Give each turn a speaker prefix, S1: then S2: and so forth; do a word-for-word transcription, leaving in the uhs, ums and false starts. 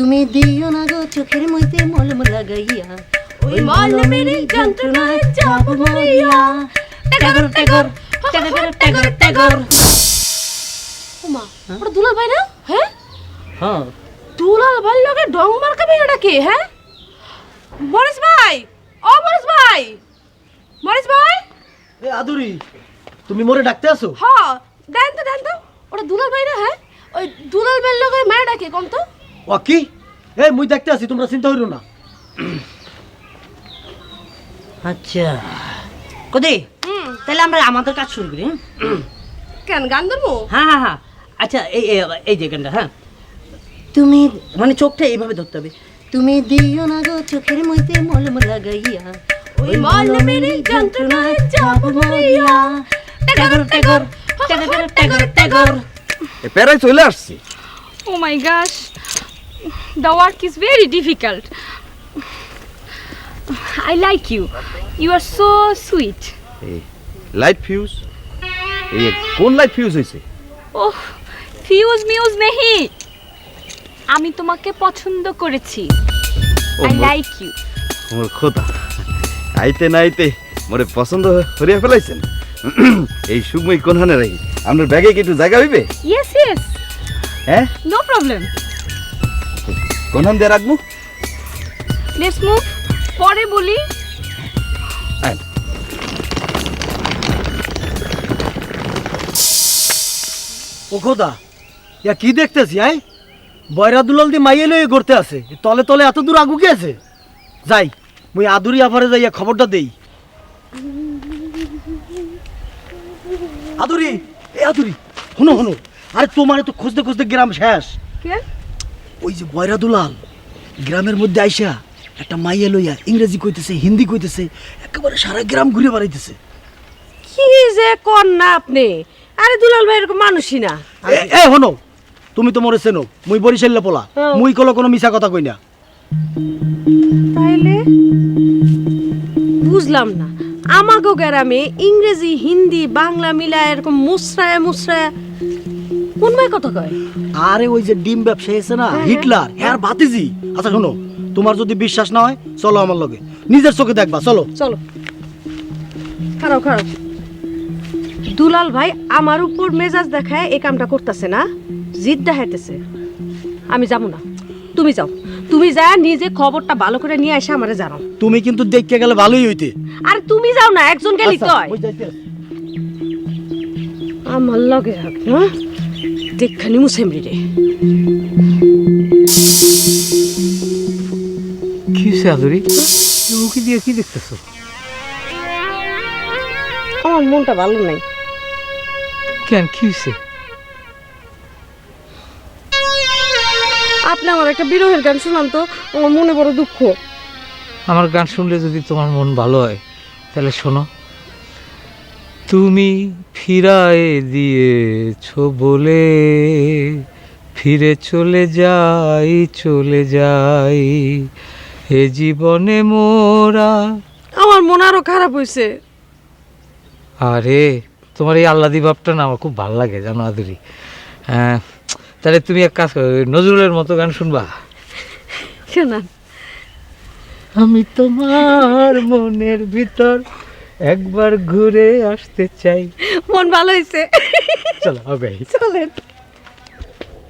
S1: তুমি দিও না গো চোখের মধ্যে মলম লাগাইয়া, ওই মলমের যন্ত্রণায় যাব মরিয়া। টাগর টাগর টাগর টাগর টাগর।
S2: ওমা, ওটা দুলাল ভাই না? হ্যাঁ
S1: হ্যাঁ,
S2: দুলাল ভাই লগে ডং মার্কা মেয়েটা কে? হ্যাঁ মরিস ভাই, ও মরিস ভাই, মরিস ভাই।
S3: এ আদুরি, তুমি মোরে ডাকতে আসো?
S2: হ্যাঁ, দেন তো দেন তো, ওটা দুলাল ভাই না? হ্যাঁ, ওই দুলাল ভাই লগে মেয়েটা কে কোন তো?
S3: ও কি? এই মুই দেখতে আসি, তোমরা চিন্তা হইরো না।
S1: আচ্ছা কদি, তাহলে আমরা আমাদের কাজ শুরু করি।
S2: কেন গান ধরবো?
S1: হ্যাঁ হ্যাঁ হ্যাঁ, আচ্ছা এই এই যে গানটা, হ্যাঁ তুমি মানে চোখটা এইভাবে ধরতে হবে। তুমি দিও না গো চোখের মধ্যে মলম লাগাইয়া, ওই মলমের যন্ত্রণায় যাব মরিয়া। টাগর টাগর টাগর টাগর টাগর।
S4: এ প্যারাই চলে আসছি।
S5: Oh my gosh, the work is very difficult. I like you. You are so sweet.
S4: এই লাইট ফিউজ, এই কোন লাইট ফিউজ হয়েছে?
S5: Oh, fuse muse নেহি, আমি তোমাকে পছন্দ করেছি। I like you.
S4: মোর খোদা, আইতে না আইতে মোরে পছন্দ করিয়া ফেলাইছেন। এই সুগমই কোনখানে রাখি? আপনার ব্যাগে কি একটু জায়গা হইবে?
S5: Yes, yes.
S4: হ্যাঁ,
S5: No problem.
S4: কোনখান দিয়ে রাখবো?
S5: Let's move. পরে বলি।
S4: আয়।
S3: ও খোদা, ইয়া কি দেখতেছি? আই বয়রা দুলাল দি মাইয়ে লয়ে ঘুরতে আছে, তলে তলে এত দূর আগু কি আছে? যাই মুই আদুরি আফারে যাইয়া খবরটা দেই। আদুরি, এ আদুরি, শুনো শুনো, আরে তোমারে তো খুঁজতে খুঁজতে গ্রাম শেষ।
S2: কে?
S3: ওই যে বয়রা দুলাল গ্রামের মধ্যে আইসা একটা মাইয়া লইয়া ইংরেজি কইতেছে, হিন্দি কইতেছে, একেবারে সারা গ্রাম ঘুরে বেড়াইতেছে।
S2: কি যে কোন না আপনি? আরে দুলাল ভাই এরকম মানুষই না।
S3: এ- এ হনো, তুমি তো মরে চেনো, মুই বরিশাল্লা পোলা,
S2: হ্যাঁ।
S3: মুই কলো কোনো মিছা কথা কই না।
S2: তাইলে বুঝলাম না, আমাগো গ্রামে ইংরেজি হিন্দি বাংলা মিলা এরকম মুসরায় মুসরায় কোন ভাই কথা কয়?
S3: আরে ওই যে ডিম ব্যবসায়ী আছে না, হিটলার, হ্যাঁ ভাতিজি। আচ্ছা শোনো, তোমার যদি বিশ্বাস না হয় চলো আমার লগে, নিজের চোখে দেখবা, চলো।
S2: চলো, খারাপ খারাপ। দুলাল ভাই আমার উপর মেজাজ দেখায় এই কামটা করতেছে না, জিদ দেখাইতেছে। আমি যাবো না, তুমি যাও, তুমি যা নিজে খবরটা ভালো করে নিয়ে এসে আমারে জানাও।
S3: তুমি কিন্তু দেখতে গেলে ভালোই হইতে।
S2: আরে তুমি যাও না, একজন গেলি তো
S3: আচ্ছা,
S2: হয়।
S3: মুই যাইতে আছি।
S2: আমার লগে রাখ না, দেখখানি মুসেমরি রে।
S6: কি হয়েছে আদুরি, উকি দিয়ে কি দেখতেছো?
S2: আমার মনটা ভালো নাই।
S6: কেন, কি হয়েছে?
S2: আপনি আমার একটা বিরহের গান শুনান তো, আমার মনে বড় দুঃখ।
S6: আমার গান শুনলে যদি তোমার মন ভালো হয় তাহলে শোনো। তুমি ফিরায়ে দিয়েছো বলে ফিরে চলে যাই, চলে যাই এ জীবনে মোরা।
S2: আমার মন আরো খারাপ হয়েছে।
S6: আরে তোমার এই আল্লাদি ভাবটা না আমার খুব ভালো লাগে জানো আদুরি। হ্যাঁ, তাহলে তুমি এক কাজ করো, নজরুলের মতো গান শুনবা।
S2: শোনান।
S6: আমি তোমার মনের ভিতর একবার ঘুরে আসতে চাই।
S2: মন ভালো হয়েছে,
S6: চলো হবে।
S2: চলেন।